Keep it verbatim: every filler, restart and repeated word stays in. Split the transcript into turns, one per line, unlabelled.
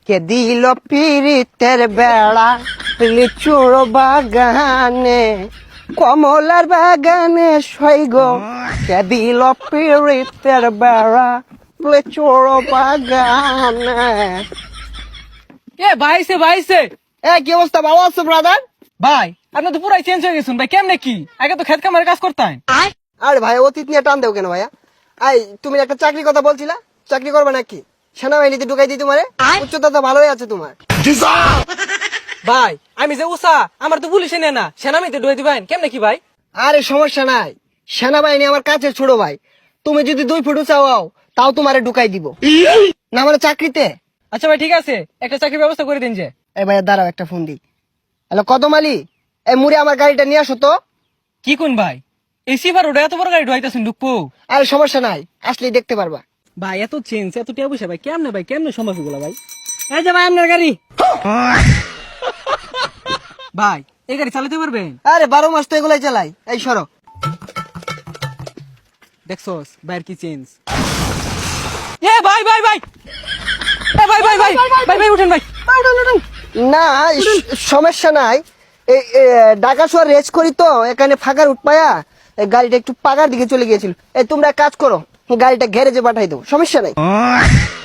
কে দিল পিরিতের বেড়া লিচুর বাগানে কমলার বাগানে সৈগ কে দিল পিরিতের বেড়া লিচুর বাগানে।
এ ভাইছে ভাইছে
এ কি অবস্থা, ভালো আছো ব্রাদার?
ভাই আপনি তো পুরাই চেঞ্জ হয়ে গেছেন ভাই, কেমনে কি? আগে তো খেত কামারে কাজ করতেন।
আরে ভাই অতীত নিয়ে টান দেও কেন ভাইয়া? আই তুমি একটা চাকরির কথা বলছিলা, চাকরি করবে নাকি? সেনাবাহিনীতে ঢুকাই দিই তোমারে, উচ্চতা তো ভালোই আছে তোমার।
ভাই আমি যে উষা, আমার তো পুলিশে নেয় না, সেনামিতে ডুয়ে দিবেন কেমনে কি ভাই?
আরে সমস্যা নাই, সেনাবাহিনী আমার কাছে ছোট ভাই। তুমি যদি দুই ফুট উঁচা হও তাও তোমারে ঢুকাই দিব না মানে চাকরিতে।
আচ্ছা ভাই ঠিক আছে, একটা চাকরির ব্যবস্থা করে দিন যে।
এই ভাইয়া দাঁড়াও একটা ফোন দিই। হ্যালো কদম আলী, এই মুড়ে আমার গাড়িটা নিয়ে আসো তো।
কি কোন ভাই, এই সিফার ওটা এত বড় গাড়ি ঢুকাইতেছেন ঢুকবো?
আরে সমস্যা নাই, আসলেই দেখতে পারবা।
ভাই এত চেঞ্জ এত টিয়া পয়সা ভাই, কেমনে ভাই কেমনে সম্ভব এগুলো ভাই? এই যে ভাই আপনার গাড়ি। ভাই এই গাড়ি চালাতে পারবেন?
আরে বারো মাস তো এগুলাই চালাই। এই সরো।
দেখছস ভাইয়ের কি চেঞ্জ। এ ভাই ভাই ভাই এ ভাই ভাই ভাই ভাই ভাই উঠেন ভাই।
না স- সমস্যা নাই। এই এ, ঢাকা শহর রেস করি তো, এখানে ফাঁকার উঠপায়া এই গাড়িটা একটু পাকার দিকে চলে গিয়েছিল। এই তোমরা এক কাজ করো, গাড়িটা গ্যারেজে পাঠাই দাও, সমস্যা নাই।